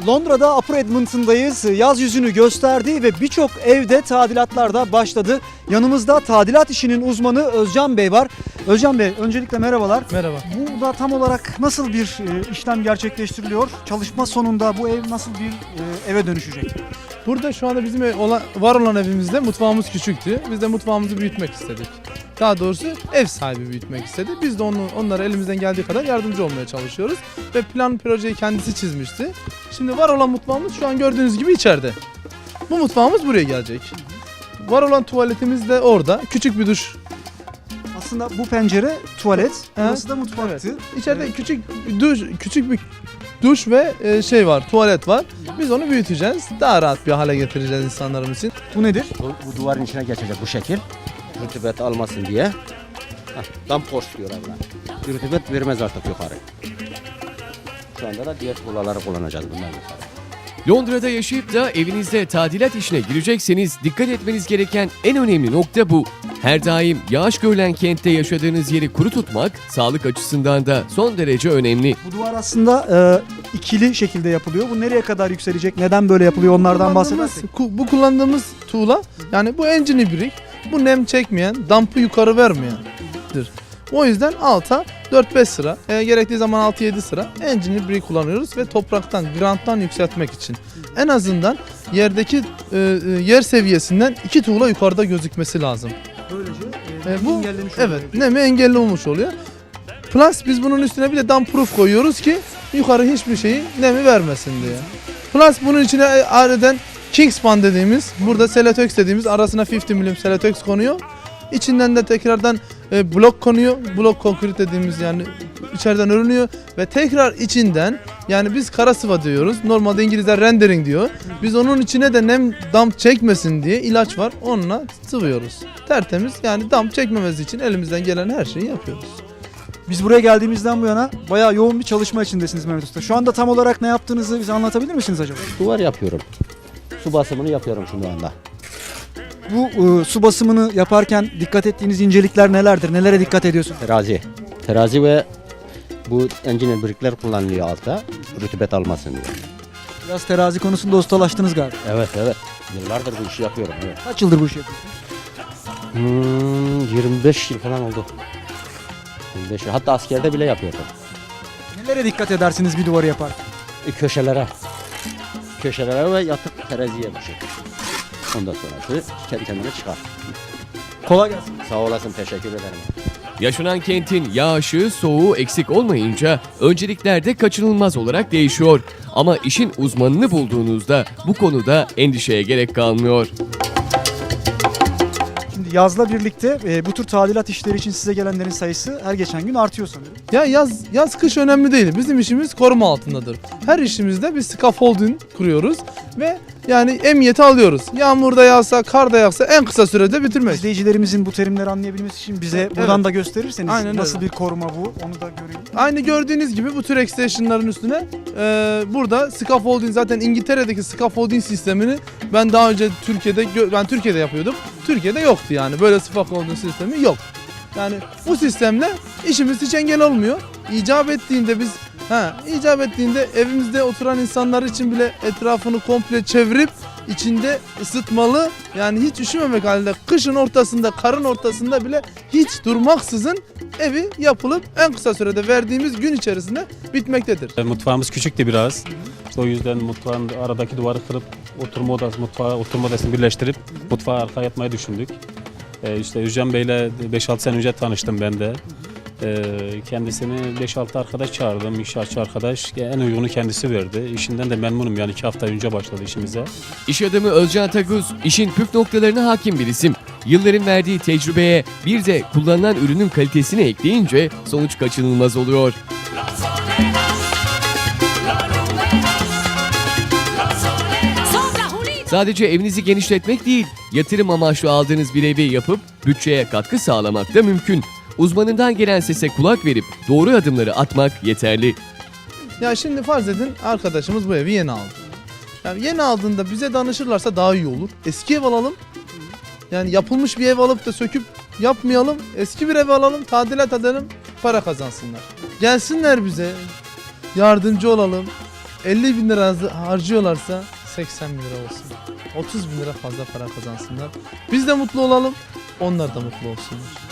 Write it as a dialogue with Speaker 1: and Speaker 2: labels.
Speaker 1: Londra'da Upper Edmonton'dayız. Yaz yüzünü gösterdi ve birçok evde tadilatlar da başladı. Yanımızda tadilat işinin uzmanı Özcan Bey var. Özcan Bey, öncelikle merhabalar.
Speaker 2: Merhaba.
Speaker 1: Burada tam olarak nasıl bir işlem gerçekleştiriliyor? Çalışma sonunda bu ev nasıl bir eve dönüşecek?
Speaker 2: Burada şu anda bizim var olan evimizde mutfağımız küçüktü. Biz de mutfağımızı büyütmek istedik. Daha doğrusu ev sahibi büyütmek istedi. Biz de onlara elimizden geldiği kadar yardımcı olmaya çalışıyoruz. Ve plan projeyi kendisi çizmişti. Şimdi var olan mutfağımız şu an gördüğünüz gibi içeride. Bu mutfağımız buraya gelecek. Var olan tuvaletimiz de orada. Küçük bir duş.
Speaker 1: Aslında bu pencere tuvalet, burası da mutfaktı.
Speaker 2: Evet. İçeride küçük bir duş ve tuvalet var. Biz onu büyüteceğiz. Daha rahat bir hale getireceğiz insanlarımız için.
Speaker 1: Bu nedir?
Speaker 3: Bu duvarın içine geçecek bu şekil. Rutubet almasın diye. Dampors diyorlar buna. Rutubet vermez artık yukarı. Şu anda da diğer tuğlaları kullanacağız bundan yukarı.
Speaker 4: Londra'da yaşayıp da evinizde tadilat işine girecekseniz dikkat etmeniz gereken en önemli nokta bu. Her daim yağış görülen kentte yaşadığınız yeri kuru tutmak sağlık açısından da son derece önemli.
Speaker 1: Bu duvar aslında ikili şekilde yapılıyor. Bu nereye kadar yükselecek? Neden böyle yapılıyor? Onlardan bahsedersek.
Speaker 2: Bu kullandığımız tuğla, yani bu engine brick, bu nem çekmeyen, dampı yukarı vermeyendir. O yüzden alta 4-5 sıra, gerektiği zaman 6-7 sıra engine brick kullanıyoruz ve topraktan, granttan yükseltmek için. En azından yerdeki yer seviyesinden 2 tuğla yukarıda gözükmesi lazım.
Speaker 1: Böylece
Speaker 2: bu
Speaker 1: engellemiş oluyor.
Speaker 2: evet, nemi engelli olmuş oluyor. Plus biz bunun üstüne bir de damp proof koyuyoruz ki yukarı hiçbir şeyi nemi vermesin diye. Plus bunun içine ayrıca Kingspan dediğimiz, burada Celotex dediğimiz arasına 50 mm Celotex konuyor. İçinden de tekrardan blok konuyor. Blok konkrit dediğimiz, yani içeriden örünüyor ve tekrar içinden, yani biz kara sıva diyoruz. Normalde İngilizler rendering diyor. Biz onun içine de nem damp çekmesin diye ilaç var. Onunla sıvıyoruz. Tertemiz, yani damp çekmemesi için elimizden gelen her şeyi yapıyoruz.
Speaker 1: Biz buraya geldiğimizden bu yana bayağı yoğun bir çalışma içindesiniz Mehmet Usta. Şu anda tam olarak ne yaptığınızı bize anlatabilir misiniz acaba?
Speaker 3: Duvar yapıyorum. Su basımını yapıyorum şu anda.
Speaker 1: Bu su basımını yaparken dikkat ettiğiniz incelikler nelerdir? Nelere dikkat ediyorsunuz?
Speaker 3: Terazi ve bu engine brickler kullanılıyor altta. Rutubet almasın diye.
Speaker 1: Biraz terazi konusunda ustalaştınız galiba.
Speaker 3: Evet. Yıllardır bu işi yapıyorum. Evet.
Speaker 1: Kaç yıldır bu işi yapıyorsunuz?
Speaker 3: 25 yıl falan oldu. 25 yıl. Hatta askerde bile yapıyordum.
Speaker 1: Nelere dikkat edersiniz bir duvarı yaparken?
Speaker 3: Köşelere ve yatık teraziye bu şekilde. Ondan sonrası kendi kendine çıkar.
Speaker 1: Kolay gelsin.
Speaker 3: Sağ olasın, teşekkür ederim.
Speaker 4: Yaşanan kentin yağışı, soğuğu eksik olmayınca öncelikler de kaçınılmaz olarak değişiyor. Ama işin uzmanını bulduğunuzda bu konuda endişeye gerek kalmıyor.
Speaker 1: Şimdi yazla birlikte bu tür tadilat işleri için size gelenlerin sayısı her geçen gün artıyor sanırım.
Speaker 2: Ya yaz kış önemli değil. Bizim işimiz koruma altındadır. Her işimizde bir scaffolding kuruyoruz ve yani emniyeti alıyoruz. Yağmurda yağsa, karda yağsa en kısa sürede bitirmek.
Speaker 1: İzleyicilerimizin bu terimleri anlayabilmesi için bize buradan da gösterirseniz
Speaker 2: Aynen
Speaker 1: nasıl
Speaker 2: öyle.
Speaker 1: bir koruma bu, onu da göreyim.
Speaker 2: Aynı gördüğünüz gibi bu tür extension'ların üstüne burada scaffolding, zaten İngiltere'deki scaffolding sistemini ben daha önce Türkiye'de yapıyordum. Türkiye'de yoktu yani, böyle scaffolding sistemi yok. Yani bu sistemle işimiz hiç engel olmuyor. İcap ettiğinde evimizde oturan insanlar için bile etrafını komple çevirip içinde ısıtmalı, yani hiç üşümemek halinde kışın ortasında, karın ortasında bile hiç durmaksızın evi yapılıp en kısa sürede verdiğimiz gün içerisinde bitmektedir.
Speaker 5: Mutfağımız küçüktü biraz. İşte o yüzden mutfağın aradaki duvarı kırıp oturma odasını birleştirip mutfağı arkaya yapmayı düşündük. İşte Özcan Bey'le 5-6 sene önce tanıştım ben de. Kendisini 5-6 arkadaş çağırdım, inşaatçı arkadaş. En uygunu kendisi verdi. İşinden de memnunum, yani 2 hafta önce başladı işimize.
Speaker 4: İş adamı Özcan Taguz işin püf noktalarına hakim bir isim. Yılların verdiği tecrübeye bir de kullanılan ürünün kalitesini ekleyince sonuç kaçınılmaz oluyor. Sadece evinizi genişletmek değil, yatırım amaçlı aldığınız bir evi yapıp bütçeye katkı sağlamak da mümkün. Uzmanından gelen sese kulak verip doğru adımları atmak yeterli.
Speaker 2: Ya şimdi farz edin, arkadaşımız bu evi yeni aldı. Yani yeni aldığında bize danışırlarsa daha iyi olur. Eski ev alalım. Yani yapılmış bir ev alıp da söküp yapmayalım. Eski bir ev alalım, tadilat edelim, para kazansınlar. Gelsinler bize, yardımcı olalım. 50 bin lira harcıyorlarsa 80 bin lira olsun. 30 bin lira fazla para kazansınlar. Biz de mutlu olalım, onlar da mutlu olsunlar.